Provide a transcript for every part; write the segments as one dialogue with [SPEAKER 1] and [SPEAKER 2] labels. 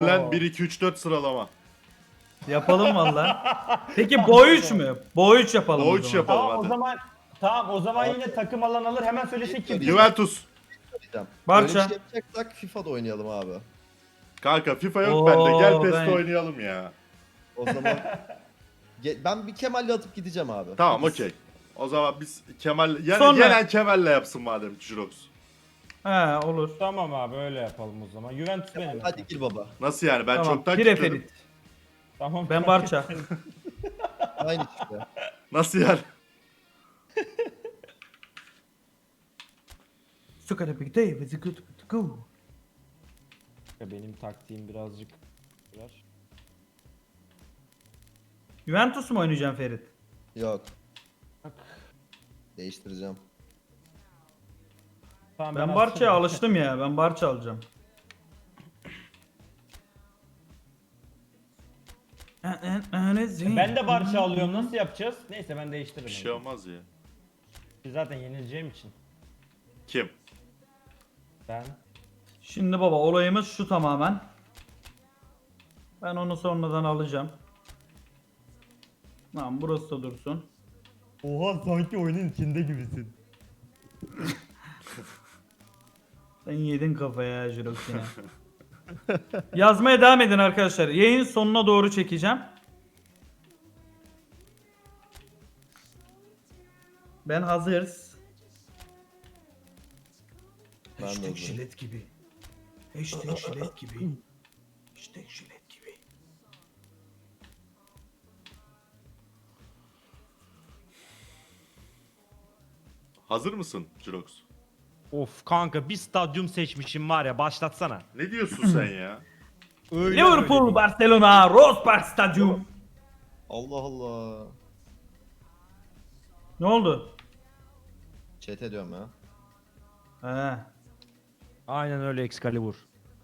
[SPEAKER 1] Lan 1 2 3 4 sıralama.
[SPEAKER 2] Yapalım valla. Peki boy 3 mü? Boy 3 yapalım
[SPEAKER 1] Boy
[SPEAKER 2] o
[SPEAKER 1] üç
[SPEAKER 2] zaman.
[SPEAKER 1] yapalım.
[SPEAKER 3] Tamam o
[SPEAKER 1] hadi.
[SPEAKER 3] zaman. Tamam o zaman yine takım alan alır. Hemen söylesin kim.
[SPEAKER 1] Juventus.
[SPEAKER 4] Diyeceğim.
[SPEAKER 2] Barça.
[SPEAKER 4] Böyle bir şey yapacaksak FIFA'da oynayalım abi.
[SPEAKER 1] Kanka FIFA yok
[SPEAKER 2] Oo,
[SPEAKER 1] bende. Gel PES'te
[SPEAKER 2] ben-
[SPEAKER 1] oynayalım ya.
[SPEAKER 4] O zaman ben bir Kemal'le atıp gideceğim abi.
[SPEAKER 1] Tamam okey. O zaman biz Kemal yani
[SPEAKER 2] Sonra-
[SPEAKER 1] gelen Kemal'le yapsın madem Jirox.
[SPEAKER 2] He olur.
[SPEAKER 3] Tamam abi öyle yapalım o zaman. Juventus benim.
[SPEAKER 4] Hadi gir baba.
[SPEAKER 1] Nasıl yani? Ben
[SPEAKER 2] Tamam.
[SPEAKER 1] çoktan
[SPEAKER 2] Pire
[SPEAKER 1] kilitledim.
[SPEAKER 2] Ferit.
[SPEAKER 3] Tamam.
[SPEAKER 2] Ben Barça.
[SPEAKER 4] Aynı işte.
[SPEAKER 1] Nasıl yani?
[SPEAKER 2] Sukada big day with a good to go.
[SPEAKER 3] Benim taktiğim birazcık.
[SPEAKER 2] Juventus mu oynayacaksın Ferit?
[SPEAKER 4] Yok. Değiştireceğim.
[SPEAKER 3] Tamam,
[SPEAKER 2] Ben Barça'ya alıştım ya. Ben Barça alacağım.
[SPEAKER 3] Ben de Barça alıyorum. Nasıl yapacağız? Neyse ben değiştiririm.
[SPEAKER 1] Bir şey olmaz ya.
[SPEAKER 3] Zaten yenileceğim için.
[SPEAKER 1] Kim?
[SPEAKER 3] Ben.
[SPEAKER 2] Şimdi baba olayımız şu tamamen. Ben onu sonradan alacağım. Tamam burası da dursun.
[SPEAKER 3] Oha sanki oyunun içinde gibisin.
[SPEAKER 2] Sen yedin kafaya ya Jirox yine. Yazmaya devam edin arkadaşlar. Yayın sonuna doğru çekeceğim. Ben hazırız.
[SPEAKER 4] Ben de
[SPEAKER 2] Hashtag
[SPEAKER 4] hazırım.
[SPEAKER 2] jilet gibi. Hashtag jilet gibi. Hashtag jilet gibi.
[SPEAKER 1] Hazır mısın Jirox?
[SPEAKER 5] Of kanka bir stadyum seçmişim var ya başlatsana.
[SPEAKER 1] Ne diyorsun sen ya?
[SPEAKER 5] Öyle
[SPEAKER 2] Liverpool,
[SPEAKER 5] öyle.
[SPEAKER 2] Barcelona, Rose Park Stadyum.
[SPEAKER 4] Allah Allah.
[SPEAKER 2] Ne oldu?
[SPEAKER 4] Chat ediyorum ya.
[SPEAKER 2] He.
[SPEAKER 5] Aynen öyle Excalibur.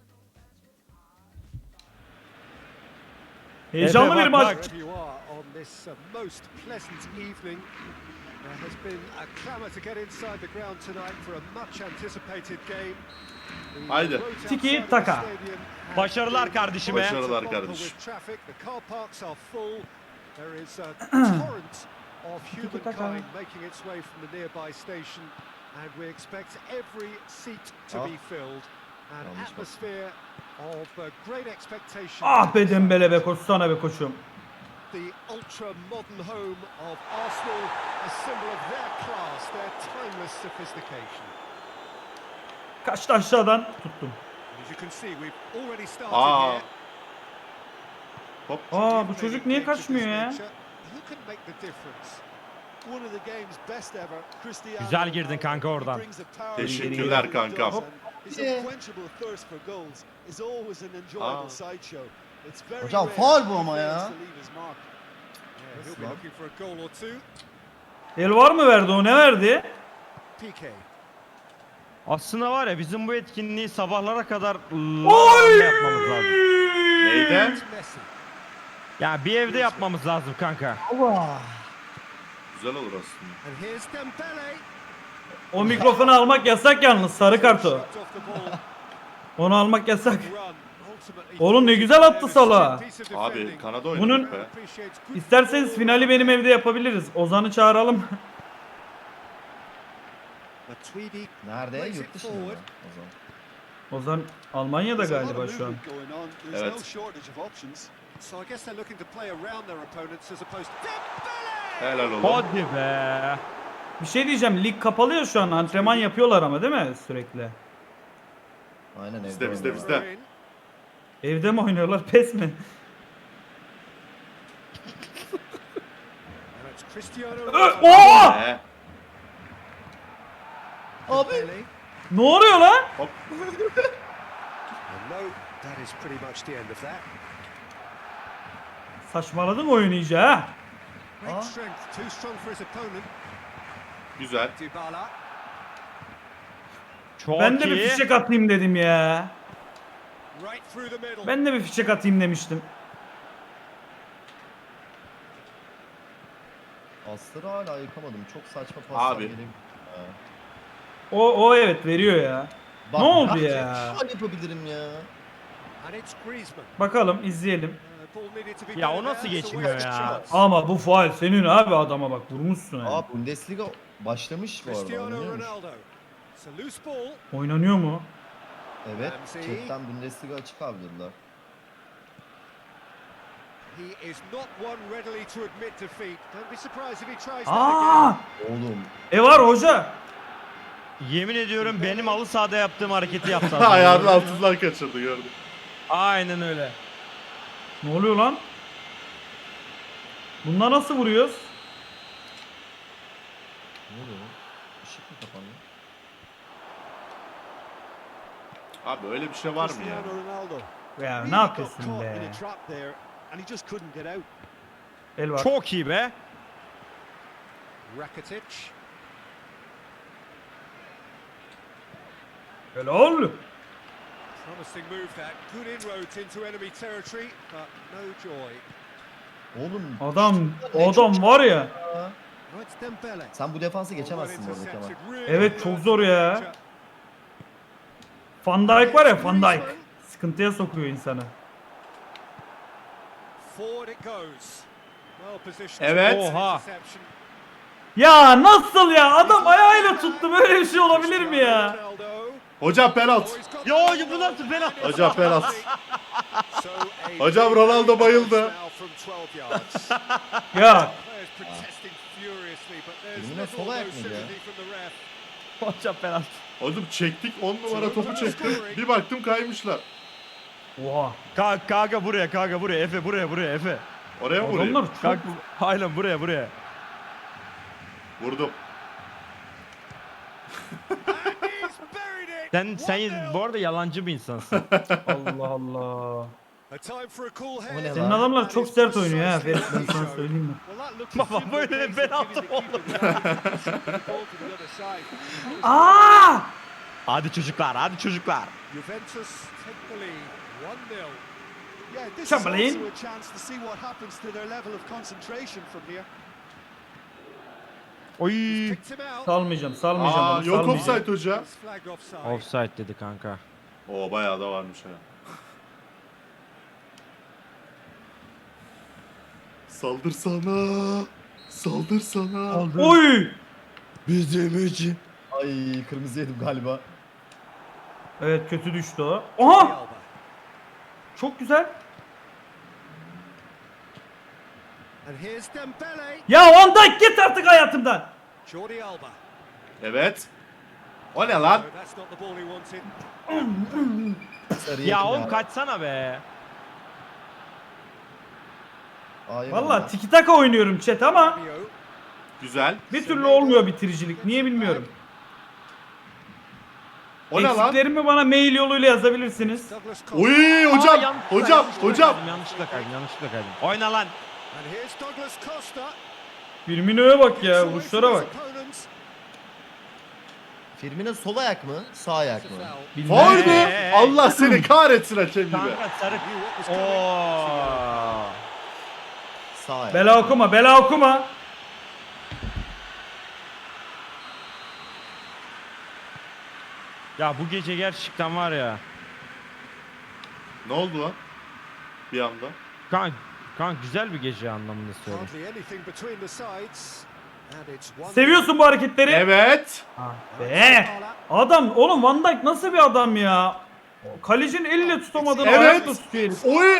[SPEAKER 2] Heyecanlı
[SPEAKER 5] Efe,
[SPEAKER 2] bir
[SPEAKER 5] bak,
[SPEAKER 2] maç.
[SPEAKER 5] bak.
[SPEAKER 6] Wherever you are on this most pleasant evening, there has been a clamour to get inside the ground tonight for a much anticipated game. The
[SPEAKER 1] Haydi.
[SPEAKER 6] roads
[SPEAKER 2] Tiki
[SPEAKER 6] outside of the
[SPEAKER 2] taka.
[SPEAKER 6] stadium have
[SPEAKER 5] Başarılar
[SPEAKER 6] been
[SPEAKER 5] kardeşime.
[SPEAKER 1] Başarılar
[SPEAKER 6] bumper
[SPEAKER 1] kardeşim.
[SPEAKER 6] with traffic. The car parks are full. There is a torrent of
[SPEAKER 2] taka.
[SPEAKER 6] humankind making its way from the nearby station, and we expect every seat to be filled. An
[SPEAKER 4] Yanlış bak.
[SPEAKER 6] atmosphere of great expectation.
[SPEAKER 2] Ah be Dembele be koşsana be koçum.
[SPEAKER 6] The ultra modern home of Arsenal, a symbol of their class, their timeless sophistication.
[SPEAKER 2] Kaçtı aşağıdan tuttum.
[SPEAKER 6] As you can see, we've already started
[SPEAKER 1] Aa.
[SPEAKER 6] here.
[SPEAKER 1] Hop.
[SPEAKER 2] Aa bu çocuk niye kaçmıyor ya?
[SPEAKER 6] Who can make the difference? One of the game's best ever, Cristiano
[SPEAKER 5] Güzel girdin
[SPEAKER 6] Ronaldo.
[SPEAKER 5] kanka
[SPEAKER 6] He
[SPEAKER 5] oradan.
[SPEAKER 6] brings a power
[SPEAKER 1] Teşekkürler
[SPEAKER 6] to
[SPEAKER 1] kankam.
[SPEAKER 6] what he does, and his unquenchable thirst for goals is always an enjoyable sideshow. It's very
[SPEAKER 4] Hocam
[SPEAKER 6] rare
[SPEAKER 4] faul bu
[SPEAKER 6] he
[SPEAKER 4] ama
[SPEAKER 6] fails
[SPEAKER 4] ya.
[SPEAKER 6] to leave his mark. Yeah, he'll be
[SPEAKER 4] lan?
[SPEAKER 6] looking for a goal or two.
[SPEAKER 2] El var mı verdi o ne verdi?
[SPEAKER 6] PK.
[SPEAKER 5] Aslında var ya bizim bu etkinliği sabahlara kadar
[SPEAKER 2] Oy!
[SPEAKER 5] yapmamız lazım.
[SPEAKER 1] Neyden?
[SPEAKER 6] Messi.
[SPEAKER 5] Ya bir evde yapmamız lazım kanka.
[SPEAKER 1] Güzel olur aslında.
[SPEAKER 6] And here's Dembele.
[SPEAKER 2] O mikrofonu almak yasak yalnız sarı kartı.
[SPEAKER 6] Shot off the ball.
[SPEAKER 2] Onu almak yasak.
[SPEAKER 6] Run. Ultimately
[SPEAKER 2] Oğlum ne güzel attı Salah.
[SPEAKER 1] Abi Kanada oynadık
[SPEAKER 2] Bunun-
[SPEAKER 1] be.
[SPEAKER 2] İsterseniz finali benim evde yapabiliriz. Ozan'ı çağıralım.
[SPEAKER 6] Matuidi.
[SPEAKER 4] Nerede?
[SPEAKER 6] Plays it
[SPEAKER 4] Yurt dışında mı?
[SPEAKER 6] forward.
[SPEAKER 4] O zaman.
[SPEAKER 2] Ozan Almanya'da galiba şu an.
[SPEAKER 1] Evet.
[SPEAKER 6] So I guess they're looking to play around their opponents as opposed to
[SPEAKER 1] Helal oğlum.
[SPEAKER 5] Hadi be.
[SPEAKER 2] Bir şey diyeceğim lig kapalı ya şu an antrenman yapıyorlar ama değil mi sürekli?
[SPEAKER 4] Aynen
[SPEAKER 1] Bizde,
[SPEAKER 4] evde
[SPEAKER 1] bizde,
[SPEAKER 4] oynuyorlar.
[SPEAKER 1] bizde.
[SPEAKER 2] Evde mi oynuyorlar pes mi?
[SPEAKER 6] And it's Cristiano Ronaldo.
[SPEAKER 2] Oo!
[SPEAKER 1] He.
[SPEAKER 4] Abi.
[SPEAKER 6] Dembele.
[SPEAKER 2] Ne oluyor lan?
[SPEAKER 1] Hop.
[SPEAKER 6] And no, that is pretty much the end of that.
[SPEAKER 2] Saçmaladın oyunu iyice ha.
[SPEAKER 6] Great strength, too strong for his opponent.
[SPEAKER 1] Güzel.
[SPEAKER 6] Dybala.
[SPEAKER 5] Çok
[SPEAKER 2] Ben de
[SPEAKER 5] iyi.
[SPEAKER 2] bir fişek atayım dedim ya.
[SPEAKER 6] Right through the middle.
[SPEAKER 2] Ben de bir fişek atayım demiştim.
[SPEAKER 4] Pasları hala yıkamadım. Çok saçma paslar
[SPEAKER 1] Abi.
[SPEAKER 4] geliyor. Ha.
[SPEAKER 2] O evet veriyor ya.
[SPEAKER 4] Bak,
[SPEAKER 2] Ne oldu
[SPEAKER 4] ben
[SPEAKER 2] ya?
[SPEAKER 4] Şu an yapabilirim ya.
[SPEAKER 6] And it's Griezmann.
[SPEAKER 2] Bakalım izleyelim.
[SPEAKER 6] Ball needed to be
[SPEAKER 5] Ya o
[SPEAKER 6] better
[SPEAKER 5] nasıl
[SPEAKER 6] there, so
[SPEAKER 5] geçmiyor
[SPEAKER 6] wasted
[SPEAKER 5] ya?
[SPEAKER 6] chance.
[SPEAKER 2] Ama bu faul senin abi, adama bak vurmuşsun yani.
[SPEAKER 4] Aa Bundesliga başlamış bu arada.
[SPEAKER 6] Cristiano
[SPEAKER 4] Oynanıyormuş.
[SPEAKER 6] Ronaldo. It's a loose ball.
[SPEAKER 2] Oynanıyor mu?
[SPEAKER 4] Evet.
[SPEAKER 6] Ramsey.
[SPEAKER 4] Chatten Bundesliga açık abi dediler.
[SPEAKER 6] He is not one readily to admit defeat. Don't be surprised if he tries that
[SPEAKER 2] Aa!
[SPEAKER 6] again.
[SPEAKER 4] Oğlum.
[SPEAKER 2] Var hoca.
[SPEAKER 5] Yemin ediyorum benim halı sahada yaptığım hareketi yaptı. adam.
[SPEAKER 1] Ayağının altından kaçırdı gördüm.
[SPEAKER 5] Aynen öyle.
[SPEAKER 2] Ne oluyor lan? Bunlar nasıl vuruyoruz?
[SPEAKER 4] Ne oluyor lan? Işık mı kapandı?
[SPEAKER 1] Abi öyle bir şey var mı ya?
[SPEAKER 6] Cristiano Ronaldo.
[SPEAKER 2] Ya
[SPEAKER 6] Really
[SPEAKER 2] ne
[SPEAKER 6] got
[SPEAKER 2] yapıyorsun
[SPEAKER 6] caught
[SPEAKER 2] be?
[SPEAKER 6] in a trap there, and he just couldn't get out.
[SPEAKER 2] El var.
[SPEAKER 5] Çok iyi be.
[SPEAKER 6] Rakitic.
[SPEAKER 2] Helal.
[SPEAKER 6] Promising move that. Good inroads into enemy territory, but no joy.
[SPEAKER 4] Oğlum
[SPEAKER 2] Adam var ya.
[SPEAKER 6] Now it's Dembele.
[SPEAKER 4] sen bu defansı
[SPEAKER 6] Well
[SPEAKER 4] geçemezsin bu arada Kemal.
[SPEAKER 6] intercepted, really
[SPEAKER 2] Evet, çok
[SPEAKER 6] good
[SPEAKER 2] zor ya.
[SPEAKER 6] danger.
[SPEAKER 2] Van Dijk var ya, Van Dijk. Sıkıntıya sokuyor insanı.
[SPEAKER 6] Forward it goes. Well positioned.
[SPEAKER 1] Evet.
[SPEAKER 5] Oha.
[SPEAKER 6] Interception.
[SPEAKER 2] Ya nasıl ya? Adam ayağıyla tuttu, böyle bir şey olabilir mi ya?
[SPEAKER 6] Ronaldo.
[SPEAKER 1] Hocam penaltı.
[SPEAKER 6] Oh, he's got
[SPEAKER 5] Ya,
[SPEAKER 6] the
[SPEAKER 5] bu nasıl penaltı?
[SPEAKER 1] Hocam penaltı.
[SPEAKER 6] So a
[SPEAKER 1] Hocam Ronaldo bayıldı.
[SPEAKER 6] now from 12 yards.
[SPEAKER 2] Ya
[SPEAKER 6] Players protesting furiously, but there's
[SPEAKER 4] Yeminle
[SPEAKER 6] little
[SPEAKER 4] sol
[SPEAKER 6] no
[SPEAKER 4] ayak mıydı ya?
[SPEAKER 6] sympathy from the ref.
[SPEAKER 5] Hocam penaltı.
[SPEAKER 1] Oğlum çektik 10 numara topu çektim. Bir baktım kaymışlar.
[SPEAKER 2] oha.
[SPEAKER 5] Kanka buraya Efe buraya Efe.
[SPEAKER 1] Oraya mı vurayım?
[SPEAKER 2] Adamlar çok
[SPEAKER 5] Kanka aynen buraya.
[SPEAKER 1] Vurdum.
[SPEAKER 6] He's buried it.
[SPEAKER 5] Sen
[SPEAKER 6] 1-0.
[SPEAKER 5] bu arada yalancı bir insansın.
[SPEAKER 2] Allah Allah.
[SPEAKER 6] A time for a cool head.
[SPEAKER 4] O ne
[SPEAKER 2] Senin
[SPEAKER 4] lan?
[SPEAKER 2] adamlar çok sert oynuyor ha Ferit, ben sana söyleyeyim mi?
[SPEAKER 6] Well, that looked
[SPEAKER 5] Baba,
[SPEAKER 6] as simple
[SPEAKER 5] böyle
[SPEAKER 6] as
[SPEAKER 5] penaltı
[SPEAKER 6] giving the
[SPEAKER 5] oldu.
[SPEAKER 6] keeper the opportunity to shoot the ball to the other side.
[SPEAKER 2] Aa!
[SPEAKER 5] hadi çocuklar.
[SPEAKER 6] Juventus take the lead, 1-0.
[SPEAKER 7] Yeah, this is
[SPEAKER 2] Chamberlain.
[SPEAKER 7] also a chance to see what happens to their level of concentration from here.
[SPEAKER 5] Oy.
[SPEAKER 6] Picked him out.
[SPEAKER 2] Salmayacağım
[SPEAKER 1] Aa,
[SPEAKER 2] onu,
[SPEAKER 1] yok
[SPEAKER 2] salmayacağım.
[SPEAKER 1] offside hoca.
[SPEAKER 6] It's flagged offside.
[SPEAKER 5] Offside dedi kanka.
[SPEAKER 1] Oo bayağı da varmış ha. Saldırsana. Saldırsana.
[SPEAKER 2] Oy!
[SPEAKER 5] Bizim için.
[SPEAKER 4] Ay kırmızı yedim galiba.
[SPEAKER 2] Evet, kötü düştü o.
[SPEAKER 6] Jordi
[SPEAKER 2] Aha!
[SPEAKER 6] Alba.
[SPEAKER 2] Çok güzel.
[SPEAKER 6] And here's Dembele.
[SPEAKER 2] Ya Van Dijk git artık hayatımdan.
[SPEAKER 6] Jordi Alba.
[SPEAKER 1] Evet. O ne lan?
[SPEAKER 6] No, that's not the ball he wanted.
[SPEAKER 4] Sarı
[SPEAKER 5] Ya
[SPEAKER 4] yedim
[SPEAKER 5] oğlum kaçsana be.
[SPEAKER 4] Aa, yemedim
[SPEAKER 2] Valla
[SPEAKER 4] ya.
[SPEAKER 2] tiki taka oynuyorum chat ama
[SPEAKER 6] Rabiot.
[SPEAKER 1] Güzel.
[SPEAKER 2] bir türlü olmuyor bitiricilik. Niye bilmiyorum.
[SPEAKER 1] O ne lan?
[SPEAKER 2] Eksiklerimi bana mail yoluyla yazabilirsiniz.
[SPEAKER 6] Douglas Costa.
[SPEAKER 1] Uy hocam. Hocam.
[SPEAKER 5] Yanlışlıkla kaydım. Oyna lan.
[SPEAKER 6] And here's Douglas Costa.
[SPEAKER 2] Firmino'ya bak ya, vuruşlara bak.
[SPEAKER 4] Firmino sol ayak mı? Sağ ayak mı?
[SPEAKER 2] Bilmem.
[SPEAKER 1] Faul mü? Allah seni kahretsin hakem gibi.
[SPEAKER 5] Kanka sarı. Oo.
[SPEAKER 4] Sağ ayak.
[SPEAKER 2] Bela okuma.
[SPEAKER 5] Ya bu gece gerçekten var ya.
[SPEAKER 1] Ne oldu lan? Bir anda.
[SPEAKER 5] Kanka güzel bir gece anlamında söylüyorum.
[SPEAKER 6] Hardly anything between the sides. And it's 1-0.
[SPEAKER 2] Seviyorsun bu hareketleri.
[SPEAKER 1] Evet.
[SPEAKER 2] Be. Adam oğlum, Van Dijk nasıl bir adam ya? Kalecinin eliyle tutamadığını
[SPEAKER 1] Evet.
[SPEAKER 2] ayakla tutuyor herif.
[SPEAKER 1] Oy. Aa.
[SPEAKER 6] A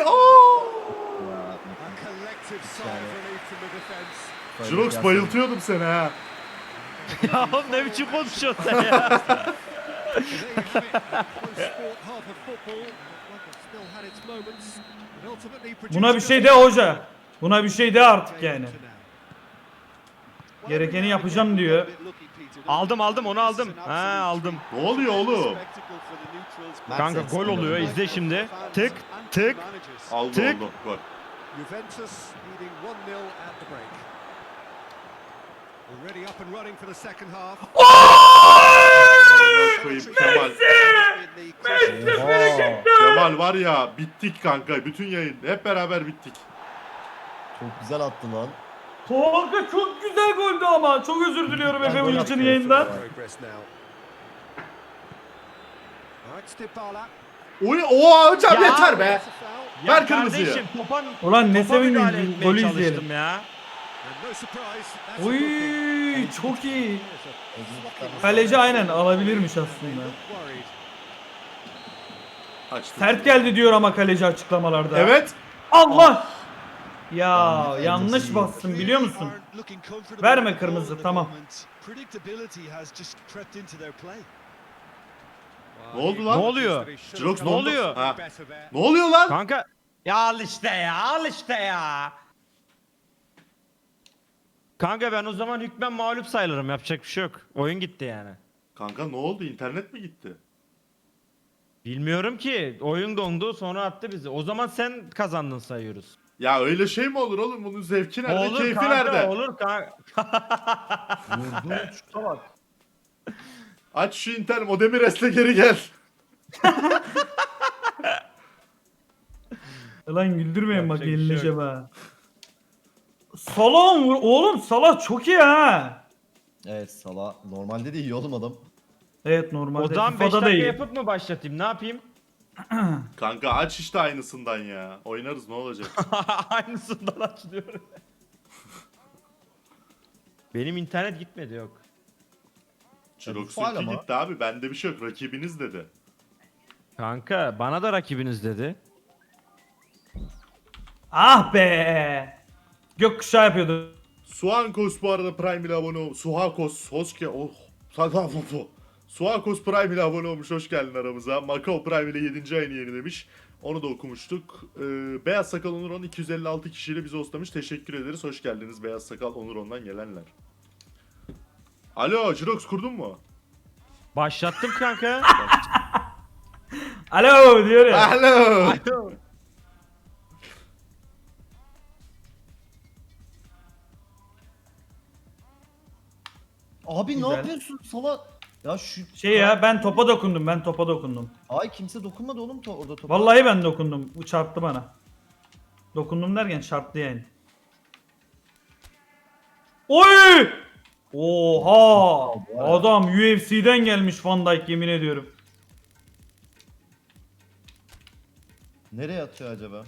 [SPEAKER 6] collective sigh of relief from the defence.
[SPEAKER 1] Jirox bayıltıyordum seni ha.
[SPEAKER 5] Ya oğlum ne biçim konuşuyorsun sen ya?
[SPEAKER 6] So there you have it. A close sport, half of football. Like it's still had its moments. But ultimately
[SPEAKER 2] Buna bir şey de
[SPEAKER 6] produced
[SPEAKER 2] hoca. Buna bir şey de artık
[SPEAKER 6] a
[SPEAKER 2] yani.
[SPEAKER 6] to now.
[SPEAKER 2] Gerekeni yapacağım diyor.
[SPEAKER 5] Aldım onu aldım. Ha aldım.
[SPEAKER 1] Ne oluyor oğlum?
[SPEAKER 5] Kanka gol oluyor, izle şimdi. Tık tık.
[SPEAKER 1] Aldı
[SPEAKER 5] Tık.
[SPEAKER 1] oldu. Gol.
[SPEAKER 6] Juventus leading 1-0 at the break. Already up and running for the second half.
[SPEAKER 1] Koyayım Kemal. Kemal var ya, bittik kanka. Bütün yayın hep beraber bittik.
[SPEAKER 4] Çok güzel attı lan.
[SPEAKER 2] Kanka çok güzel goldü ama. Çok özür diliyorum Efe bunun için yayından.
[SPEAKER 6] Progress now. All right, Dybala.
[SPEAKER 1] Oha hocam
[SPEAKER 5] Ya.
[SPEAKER 1] yeter be.
[SPEAKER 5] Ya
[SPEAKER 1] Ver kırmızıyı.
[SPEAKER 5] kardeşim,
[SPEAKER 2] Ulan ne
[SPEAKER 5] topa müdahale
[SPEAKER 2] sevindin,
[SPEAKER 5] etmeye
[SPEAKER 2] golü
[SPEAKER 5] çalıştım
[SPEAKER 2] izleyelim.
[SPEAKER 5] ya.
[SPEAKER 6] And no surprise, that's a
[SPEAKER 2] Uy
[SPEAKER 6] booking.
[SPEAKER 2] çok iyi.
[SPEAKER 6] Slocum.
[SPEAKER 2] Kaleci aynen alabilirmiş
[SPEAKER 6] They
[SPEAKER 2] aslında.
[SPEAKER 6] look worried.
[SPEAKER 1] Açtım.
[SPEAKER 2] Sert geldi diyor ama kaleci açıklamalarda.
[SPEAKER 1] Evet.
[SPEAKER 2] Allah! Ya
[SPEAKER 4] Yanlış
[SPEAKER 2] yanlış bastım biliyor musun?
[SPEAKER 7] Aren't looking comfortable
[SPEAKER 2] Verme
[SPEAKER 7] with the ball
[SPEAKER 2] kırmızı,
[SPEAKER 7] at the
[SPEAKER 2] tamam.
[SPEAKER 7] moment. Predictability has just crept into their play.
[SPEAKER 1] Ne oldu lan?
[SPEAKER 5] Ne oluyor?
[SPEAKER 1] Jirox
[SPEAKER 5] Ne oluyor?
[SPEAKER 1] Ha. Ne oluyor lan?
[SPEAKER 5] Kanka ya al işte ya, al işte ya. Kanka ben o zaman hükmen mağlup sayılırım, yapacak bir şey yok. Oyun gitti yani.
[SPEAKER 1] Kanka ne oldu? İnternet mi gitti?
[SPEAKER 5] Bilmiyorum ki, oyun dondu sonra attı bizi. O zaman sen kazandın sayıyoruz.
[SPEAKER 1] Ya öyle şey mi olur oğlum? Bunun zevki nerede?
[SPEAKER 5] Olur
[SPEAKER 1] Keyfi
[SPEAKER 5] kanka,
[SPEAKER 1] nerede?
[SPEAKER 5] olur kanka.
[SPEAKER 4] Vurduğun şuta bak.
[SPEAKER 1] Aç şu internet. O Demires'le geri gel.
[SPEAKER 2] Lan güldürmeyin bak
[SPEAKER 5] Yapacak bir şey
[SPEAKER 2] yenileceğim
[SPEAKER 5] yok.
[SPEAKER 2] ha. Salah vur. Oğlum Salah çok iyi ha.
[SPEAKER 4] Evet Salah normalde de iyi oğlum adam.
[SPEAKER 2] Evet
[SPEAKER 5] O
[SPEAKER 2] normalde
[SPEAKER 5] zaman 5
[SPEAKER 2] FIFA'da da
[SPEAKER 5] dakika
[SPEAKER 2] iyi.
[SPEAKER 5] yapıp mı başlatayım, ne yapayım?
[SPEAKER 1] Kanka aç işte aynısından ya. Oynarız ne olacak?
[SPEAKER 5] Aynısından açılıyor. Benim internet gitmedi, yok.
[SPEAKER 1] Jirox'un
[SPEAKER 4] faul ama.
[SPEAKER 1] gitti abi. Bende bir şey yok. Rakibiniz dedi.
[SPEAKER 5] Kanka bana da rakibiniz dedi.
[SPEAKER 2] Ah be. Gökkuşağı yapıyordu.
[SPEAKER 1] Suankos bu arada Prime ile abone olmuş. Suhakos hoş geldin. Oh. Suakos Prime ile abone olmuş. Hoş geldin aramıza. Macau Prime ile 7. ayını yenilemiş. Onu da okumuştuk. Beyaz Sakal Onuron 256 kişiyle bizi hostlamış. Teşekkür ederiz. Hoş geldiniz Beyaz Sakal Onuron'dan gelenler. Alo Jirox kurdun mu?
[SPEAKER 5] Başlattım kanka.
[SPEAKER 2] Alo diyor ya.
[SPEAKER 1] Alo.
[SPEAKER 4] Abi
[SPEAKER 2] Güzel.
[SPEAKER 4] ne yapıyorsun Salah? Ya şu
[SPEAKER 2] Şey ya ben topa dokundum, ben topa dokundum.
[SPEAKER 4] Ay kimse dokunmadı oğlum orada topa.
[SPEAKER 2] Vallahi ben dokundum. Bu çarptı bana. Dokundum derken çarptı yani. Oy! Oha! Adam UFC'den gelmiş Van Dijk yemin ediyorum.
[SPEAKER 4] Nereye atıyor acaba?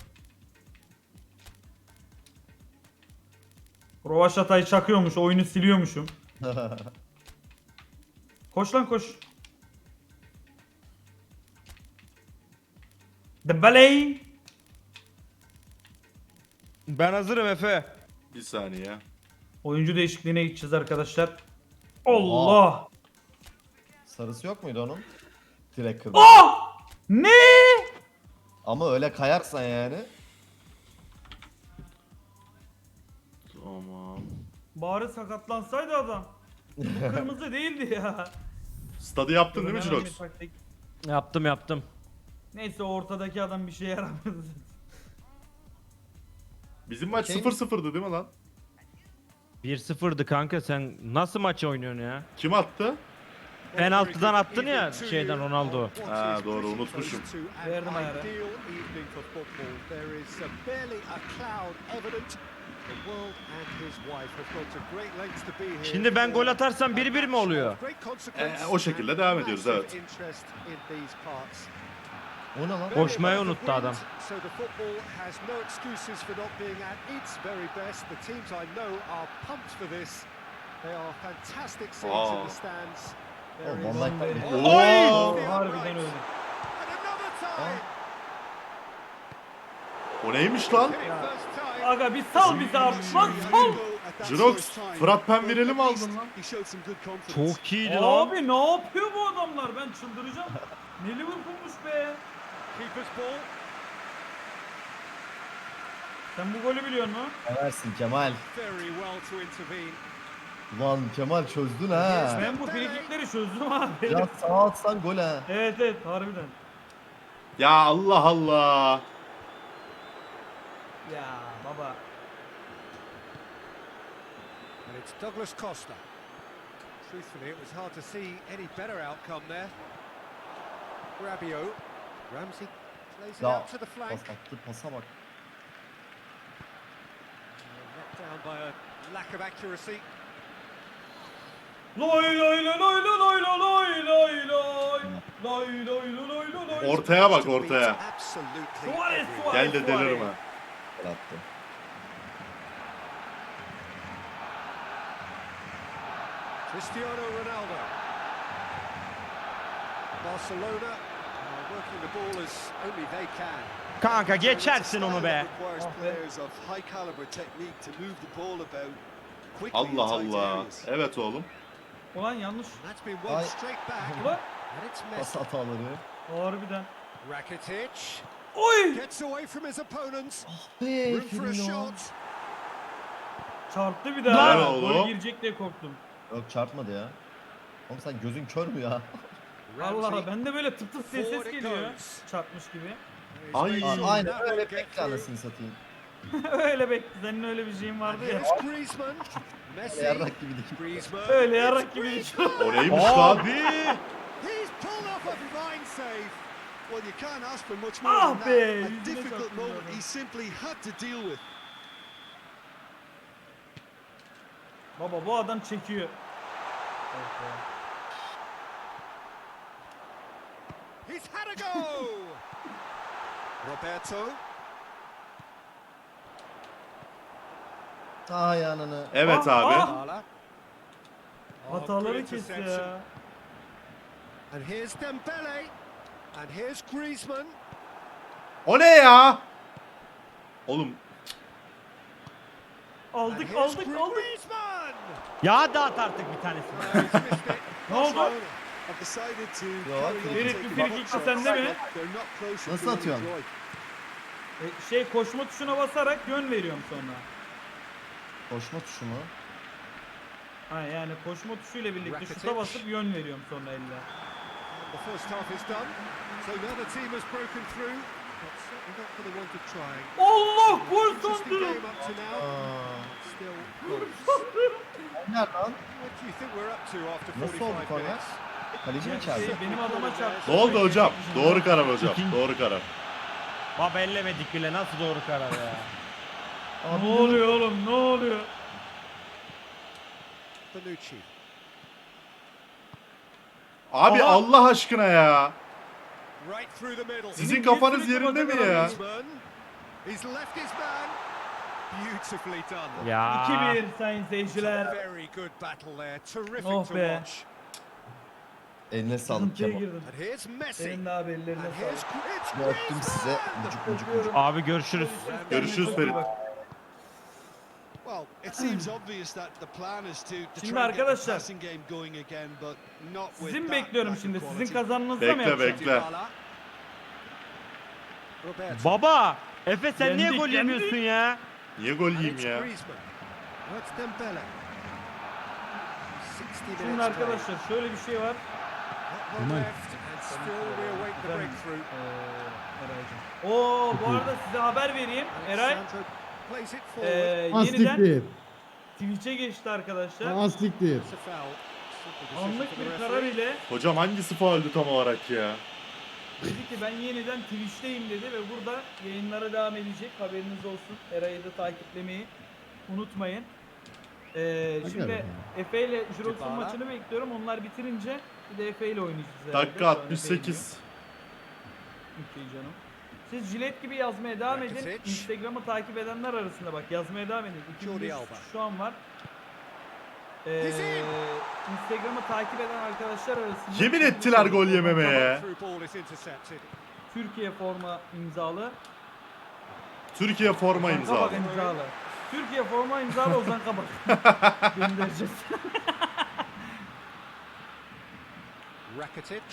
[SPEAKER 2] Rovaşata'yı çakıyormuş, oyunu siliyormuşum. Koş lan koş. Dembele.
[SPEAKER 5] Ben hazırım Efe.
[SPEAKER 1] Bir saniye.
[SPEAKER 2] Oyuncu değişikliğine gideceğiz arkadaşlar. Allah!
[SPEAKER 4] Sarısı yok muydu onun? Direkt kırmızı.
[SPEAKER 2] Ah! Ne?
[SPEAKER 4] Ama öyle kayarsan yani.
[SPEAKER 1] Tamam.
[SPEAKER 2] Bari sakatlansaydı adam. Bu kırmızı değildi ya.
[SPEAKER 1] Stadı yaptın değil mi
[SPEAKER 2] Hemen
[SPEAKER 1] Jirox?
[SPEAKER 2] bir taktik.
[SPEAKER 5] Yaptım.
[SPEAKER 2] Neyse ortadaki adam bir şey yaramadı.
[SPEAKER 1] Bizim maç
[SPEAKER 4] Okey.
[SPEAKER 1] 0-0'dı değil mi lan?
[SPEAKER 5] 1-0'dı kanka, sen nasıl maç oynuyorsun ya?
[SPEAKER 1] Kim attı?
[SPEAKER 5] Penaltıdan attın ya şeyden, Ronaldo.
[SPEAKER 1] Ha, doğru, unutmuşum.
[SPEAKER 2] Verdim ayarı.
[SPEAKER 5] Şimdi ben gol atarsam 1-1 mi oluyor?
[SPEAKER 1] O şekilde devam ediyoruz, evet.
[SPEAKER 4] O ne lan?
[SPEAKER 5] Koşmayı unuttu adam.
[SPEAKER 6] So the football has no excuses for not being at its very best. The teams I know are pumped for this. They are fantastic scenes in the stands. There
[SPEAKER 4] Oh,
[SPEAKER 6] is-
[SPEAKER 4] Van Dijk'tan biri.
[SPEAKER 1] Oy!
[SPEAKER 2] Harbiden öyle.
[SPEAKER 6] And another tie.
[SPEAKER 1] O neymiş lan?
[SPEAKER 6] First time.
[SPEAKER 2] Aga bir sal bizi artık lan sal.
[SPEAKER 1] Jirox, Fırat Penvireli mi aldın lan?
[SPEAKER 7] He showed some good confidence.
[SPEAKER 5] Çok iyiydi lan.
[SPEAKER 2] Abi ne yapıyor bu adamlar? Ben çıldıracağım. Ne Liverpool'muş be.
[SPEAKER 6] Keeper's ball.
[SPEAKER 2] Sen bu golü biliyor musun?
[SPEAKER 4] Seversin Kemal.
[SPEAKER 6] Very well to intervene.
[SPEAKER 4] Ulan Kemal çözdün ha.
[SPEAKER 2] Ben bu frikikleri çözdüm abi.
[SPEAKER 4] Biraz sağa atsan gol ha.
[SPEAKER 2] Evet harbiden.
[SPEAKER 1] Ya Allah Allah.
[SPEAKER 2] Ya baba.
[SPEAKER 6] And it's Douglas Costa. Truthfully, it was hard to see any better outcome there. Rabiot. Ramsey plays it
[SPEAKER 4] Ya
[SPEAKER 6] out to the flank.
[SPEAKER 4] pas attı pasa bak.
[SPEAKER 6] Let down by a lack of accuracy.
[SPEAKER 2] Loy loy loy loy loy loy loy loy loy. Lay lay lay lay lay.
[SPEAKER 1] Ortaya bak ortaya.
[SPEAKER 6] Absolutely
[SPEAKER 2] Suarez,
[SPEAKER 6] everywhere.
[SPEAKER 2] Suarez.
[SPEAKER 1] Gel de delirme.
[SPEAKER 4] Gol attı.
[SPEAKER 6] Cristiano Ronaldo. Barcelona are working the ball as only they can.
[SPEAKER 5] Kanka geçersin onu be.
[SPEAKER 6] Requires
[SPEAKER 2] Ah be.
[SPEAKER 6] players of high caliber technique to move the ball about quickly in
[SPEAKER 1] Allah
[SPEAKER 6] tight
[SPEAKER 1] Allah.
[SPEAKER 6] areas.
[SPEAKER 1] Evet oğlum.
[SPEAKER 2] Ulan yanlış.
[SPEAKER 6] That's been won
[SPEAKER 4] Ay.
[SPEAKER 6] straight back.
[SPEAKER 2] Ulan.
[SPEAKER 6] And it's
[SPEAKER 4] Pas
[SPEAKER 6] Messi.
[SPEAKER 4] hataları.
[SPEAKER 2] Harbiden.
[SPEAKER 6] Rakitic
[SPEAKER 2] Oy!
[SPEAKER 6] gets away from his opponents.
[SPEAKER 4] Hey
[SPEAKER 6] Room for a
[SPEAKER 4] Firmino.
[SPEAKER 6] shot.
[SPEAKER 2] Çarptı bir
[SPEAKER 1] Helal
[SPEAKER 2] daha.
[SPEAKER 1] oğlum.
[SPEAKER 2] Gol girecek diye korktum.
[SPEAKER 4] Yok çarpmadı ya. Oğlum sen gözün kör mü ya?
[SPEAKER 2] Allah
[SPEAKER 6] Ramsey.
[SPEAKER 2] ben de böyle tıp tıp diye ses
[SPEAKER 6] Forward it
[SPEAKER 2] geliyor.
[SPEAKER 6] goes.
[SPEAKER 2] Çarpmış gibi.
[SPEAKER 6] He's
[SPEAKER 1] Ay.
[SPEAKER 6] made sure
[SPEAKER 4] Aynen
[SPEAKER 6] that will
[SPEAKER 4] öyle
[SPEAKER 6] get
[SPEAKER 4] bekle
[SPEAKER 6] through.
[SPEAKER 4] anasını satayım.
[SPEAKER 2] Öyle bekle. Senin öyle bir şeyin
[SPEAKER 6] And
[SPEAKER 2] vardı ya.
[SPEAKER 6] here's Griezmann. Messi.
[SPEAKER 4] Yarrak gibi değil.
[SPEAKER 6] Griezmann.
[SPEAKER 2] Öyle yarak gibi düşün.
[SPEAKER 1] O neymiş lan?
[SPEAKER 5] Abi.
[SPEAKER 6] He's pulled off a fine save. Well, you can't ask for much more
[SPEAKER 2] Ah
[SPEAKER 6] than that.
[SPEAKER 2] be,
[SPEAKER 6] A
[SPEAKER 2] yüzüne
[SPEAKER 6] difficult
[SPEAKER 2] çarptım
[SPEAKER 6] moment
[SPEAKER 2] ya.
[SPEAKER 6] he simply had to deal with.
[SPEAKER 2] Baba bu adam çekiyor.
[SPEAKER 6] He's had a go. Roberto.
[SPEAKER 4] Ay ananı.
[SPEAKER 1] Evet
[SPEAKER 2] Ah,
[SPEAKER 1] abi.
[SPEAKER 2] ah.
[SPEAKER 6] Dybala. Oh,
[SPEAKER 2] Hataları
[SPEAKER 6] good
[SPEAKER 2] kes
[SPEAKER 6] interception.
[SPEAKER 2] ya.
[SPEAKER 6] And here's Dembele. And here's Griezmann.
[SPEAKER 1] O ne ya? Oğlum
[SPEAKER 6] And
[SPEAKER 2] Aldık
[SPEAKER 6] here's
[SPEAKER 2] aldık aldık.
[SPEAKER 6] Griezmann.
[SPEAKER 5] Ya dağıt artık bir tanesini.
[SPEAKER 6] He's missed it.
[SPEAKER 2] Ne oldu?
[SPEAKER 6] Have decided to
[SPEAKER 4] Yo,
[SPEAKER 6] carry on
[SPEAKER 2] Ferit,
[SPEAKER 6] taking
[SPEAKER 2] bir free
[SPEAKER 6] the
[SPEAKER 2] kick
[SPEAKER 6] shots.
[SPEAKER 2] sende mi?
[SPEAKER 6] They're not closer
[SPEAKER 4] Nasıl
[SPEAKER 6] to
[SPEAKER 4] atıyorsun?
[SPEAKER 6] enjoy.
[SPEAKER 2] Koşma tuşuna basarak yön veriyorum sonra.
[SPEAKER 4] Koşma tuşu mu?
[SPEAKER 2] Ha yani koşma tuşuyla birlikte şuta
[SPEAKER 6] Rakitic.
[SPEAKER 2] basıp yön veriyorum sonra elle.
[SPEAKER 6] And the first half is done. So now the team has broken through. But certainly not for the want of trying.
[SPEAKER 2] Allah gol
[SPEAKER 6] Interesting
[SPEAKER 2] sandım.
[SPEAKER 6] game up to now.
[SPEAKER 4] Aa.
[SPEAKER 6] Still close.
[SPEAKER 4] Nerede lan?
[SPEAKER 6] What do you think we're up to after
[SPEAKER 4] Nasıl oldu
[SPEAKER 6] 45
[SPEAKER 4] korner?
[SPEAKER 6] minutes?
[SPEAKER 4] Kaleci mi çarptı?
[SPEAKER 2] Benim adama çarptı.
[SPEAKER 1] ne oldu hocam? Doğru karar hocam.
[SPEAKER 5] İkinci-
[SPEAKER 1] Doğru karar.
[SPEAKER 5] Baba ellemedik bile nasıl doğru karar ya.
[SPEAKER 2] Ne oluyor oğlum ne oluyor?
[SPEAKER 6] Bonucci.
[SPEAKER 1] Abi
[SPEAKER 5] Aha.
[SPEAKER 1] Allah aşkına ya.
[SPEAKER 6] Right through the middle.
[SPEAKER 1] Sizin kafanız yerinde mi ya?
[SPEAKER 6] Griezmann. He's left his man. Beautifully done.
[SPEAKER 5] Ya.
[SPEAKER 2] 2-1 sayın seyirciler.
[SPEAKER 6] Very good battle there. Terrific
[SPEAKER 2] Oh
[SPEAKER 6] to
[SPEAKER 2] be.
[SPEAKER 6] watch.
[SPEAKER 4] Eline sağlık
[SPEAKER 2] Sıkıntıya
[SPEAKER 4] Kemal.
[SPEAKER 2] girdim.
[SPEAKER 6] And here's Messi.
[SPEAKER 2] Senin de abi ellerine
[SPEAKER 6] And here's
[SPEAKER 2] sağlık.
[SPEAKER 6] it's
[SPEAKER 4] Bir öptüm size. Mucuk mucuk mucuk.
[SPEAKER 5] Abi görüşürüz.
[SPEAKER 1] Görüşürüz Ferit.
[SPEAKER 7] Well, it seems obvious that the plan is to
[SPEAKER 2] Şimdi
[SPEAKER 7] try and get the
[SPEAKER 2] arkadaşlar,
[SPEAKER 7] passing game going again, but not with
[SPEAKER 2] Sizin
[SPEAKER 7] that
[SPEAKER 2] bekliyorum
[SPEAKER 7] lack of
[SPEAKER 2] şimdi.
[SPEAKER 7] quality.
[SPEAKER 2] Sizin kazanınızda mı
[SPEAKER 1] Bekle,
[SPEAKER 2] yapacağım?
[SPEAKER 1] bekle.
[SPEAKER 6] Dybala. Roberto.
[SPEAKER 5] Baba. Efe sen niye
[SPEAKER 2] Yendik,
[SPEAKER 5] gol yemiyorsun ya?
[SPEAKER 1] Niye gol
[SPEAKER 6] And
[SPEAKER 1] yiyeyim
[SPEAKER 6] it's
[SPEAKER 1] ya?
[SPEAKER 6] Griezmann. That's Dembele. 60 minutes
[SPEAKER 2] Şimdi
[SPEAKER 6] played.
[SPEAKER 2] arkadaşlar şöyle bir şey var.
[SPEAKER 6] Not long left and still we await the breakthrough.
[SPEAKER 2] Oo bu arada size haber vereyim. Eray
[SPEAKER 6] Alexandro plays it forward.
[SPEAKER 2] yeniden
[SPEAKER 8] Astiktir.
[SPEAKER 2] Twitch'e geçti arkadaşlar.
[SPEAKER 8] Astiktir.
[SPEAKER 6] It's a foul. Simple decision
[SPEAKER 2] Anlık
[SPEAKER 6] for the
[SPEAKER 2] bir
[SPEAKER 6] referee.
[SPEAKER 2] karar ile
[SPEAKER 1] Hocam hangisi fauldü tam olarak ya?
[SPEAKER 2] dedi ki ben yeniden Twitch'teyim dedi ve burada yayınlara devam edecek. Haberiniz olsun. Eray'ı da takiplemeyi unutmayın. Şimdi
[SPEAKER 8] bakalım.
[SPEAKER 2] Efe ile Jirox'un
[SPEAKER 6] Dybala.
[SPEAKER 2] maçını bekliyorum. Onlar bitirince bir de Efe ile oynayacağız herhalde.
[SPEAKER 1] Dakika
[SPEAKER 2] Şu an Efe
[SPEAKER 1] 68.
[SPEAKER 2] oynuyor. Okey canım. Siz jilet gibi yazmaya devam edin.
[SPEAKER 6] Rakitic.
[SPEAKER 2] Instagram'ı takip edenler arasında bak yazmaya devam edin.
[SPEAKER 6] Jordi
[SPEAKER 2] 2500
[SPEAKER 6] Alba.
[SPEAKER 2] şu an var.
[SPEAKER 6] He's in.
[SPEAKER 2] Instagram'ı takip eden arkadaşlar arasında
[SPEAKER 1] Yemin ettiler gol yememeye.
[SPEAKER 6] Through ball is intercepted.
[SPEAKER 2] Türkiye forma imzalı.
[SPEAKER 1] Türkiye forma
[SPEAKER 2] Ozan
[SPEAKER 1] imzalı.
[SPEAKER 2] Kabak imzalı. Türkiye forma imzalı Ozan Kabak. Göndereceğiz.
[SPEAKER 6] Rakitic.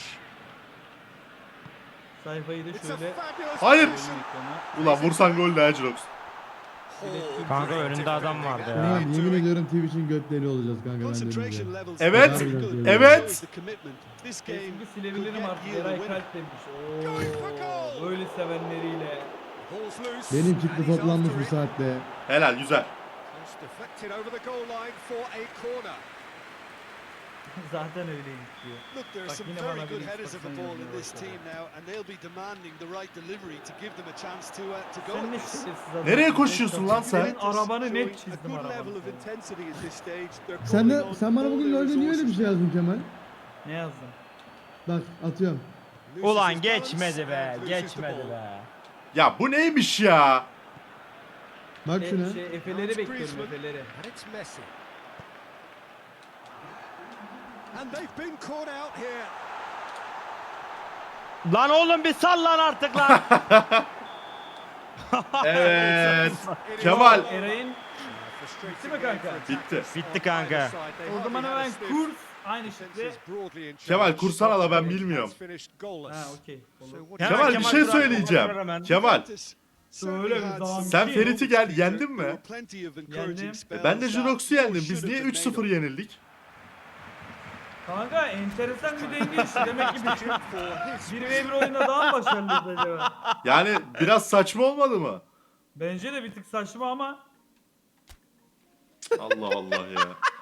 [SPEAKER 2] Sayfayı da
[SPEAKER 6] It's a
[SPEAKER 2] şöyle
[SPEAKER 6] fabulous
[SPEAKER 1] Hayır.
[SPEAKER 6] position.
[SPEAKER 2] ekrana.
[SPEAKER 1] Ulan vursan gol de Jirox.
[SPEAKER 5] Kanka önünde adam vardı ya.
[SPEAKER 8] Ulan yemin ediyorum Twitch'in götleri olacağız kanka ben
[SPEAKER 7] Concentration
[SPEAKER 8] demeyeceğim.
[SPEAKER 7] levels
[SPEAKER 1] Evet,
[SPEAKER 7] are very good.
[SPEAKER 1] evet.
[SPEAKER 7] Shows the commitment. This game
[SPEAKER 2] Kesinlikle
[SPEAKER 7] could
[SPEAKER 2] silebilirim
[SPEAKER 7] get
[SPEAKER 2] artık.
[SPEAKER 7] you the
[SPEAKER 2] Eray
[SPEAKER 7] winner.
[SPEAKER 2] Kalp demiş.
[SPEAKER 6] Going for goal.
[SPEAKER 2] Oo, böyle sevenleriyle.
[SPEAKER 6] Ball's loose.
[SPEAKER 8] Benim
[SPEAKER 6] and
[SPEAKER 8] çıktı
[SPEAKER 6] he's
[SPEAKER 8] toplanmış
[SPEAKER 6] after
[SPEAKER 8] bu
[SPEAKER 6] it.
[SPEAKER 8] saatte.
[SPEAKER 1] Helal güzel.
[SPEAKER 6] It's deflected over the goal line for a corner.
[SPEAKER 2] Zaten öyleymiş diyor.
[SPEAKER 7] Look, there are
[SPEAKER 2] Bak
[SPEAKER 7] some
[SPEAKER 2] yine
[SPEAKER 7] very
[SPEAKER 2] bana
[SPEAKER 7] good
[SPEAKER 2] bir
[SPEAKER 7] headers of the
[SPEAKER 2] ispatsan
[SPEAKER 7] ball in
[SPEAKER 2] yazmaya
[SPEAKER 7] this
[SPEAKER 2] başladı.
[SPEAKER 7] team now, and they'll be demanding the right delivery to give them a chance to go
[SPEAKER 2] Sen
[SPEAKER 7] at
[SPEAKER 2] ne
[SPEAKER 7] this.
[SPEAKER 2] şerefsiz adam.
[SPEAKER 1] Nereye koşuyorsun lan sen?
[SPEAKER 2] Senin arabanı
[SPEAKER 7] Showing
[SPEAKER 2] net
[SPEAKER 7] a
[SPEAKER 2] çizdim
[SPEAKER 7] good level
[SPEAKER 2] arabanı.
[SPEAKER 7] of intensity at this stage. They're
[SPEAKER 8] Sen
[SPEAKER 7] calling on
[SPEAKER 8] sen bana
[SPEAKER 7] all
[SPEAKER 8] bugün
[SPEAKER 7] their
[SPEAKER 8] LoL'de niye öyle bir
[SPEAKER 7] resources.
[SPEAKER 8] şey yazdın Kemal?
[SPEAKER 2] Ne yazdın?
[SPEAKER 8] Bak atıyorum.
[SPEAKER 3] Ulan geçmedi be. Geçmedi be.
[SPEAKER 1] Ya bu neymiş ya?
[SPEAKER 8] Bak şuna.
[SPEAKER 2] Efeleri bekliyorum Efeleri.
[SPEAKER 6] And it's Messi. And they've been caught out here.
[SPEAKER 5] Lan oğlum bir sal lan artık lan.
[SPEAKER 1] Evet. Kemal.
[SPEAKER 2] Eray'ın
[SPEAKER 6] Bitti
[SPEAKER 2] mi kanka?
[SPEAKER 1] Bitti.
[SPEAKER 5] Bitti kanka.
[SPEAKER 2] o zaman hemen kurs aynı şekilde.
[SPEAKER 1] Kemal kursana da ben bilmiyorum.
[SPEAKER 2] Ha okey. Olur.
[SPEAKER 5] Hemen
[SPEAKER 1] Kemal bir şey
[SPEAKER 5] Turan
[SPEAKER 1] söyleyeceğim.
[SPEAKER 5] kontrol hemen.
[SPEAKER 1] Kemal
[SPEAKER 2] Söyle bir zaman.
[SPEAKER 1] sen Ferit'i yendin mi?
[SPEAKER 2] Yendim.
[SPEAKER 1] Ben de Jurox'u yendim. Biz niye 3-0 yenildik?
[SPEAKER 2] Kanka enteresan bir denge işte. Demek ki bir 1v1 oyunda daha mı başarılıyız acaba?
[SPEAKER 1] Yani biraz saçma olmadı mı?
[SPEAKER 2] Bence de bir tık saçma ama
[SPEAKER 1] Allah Allah ya.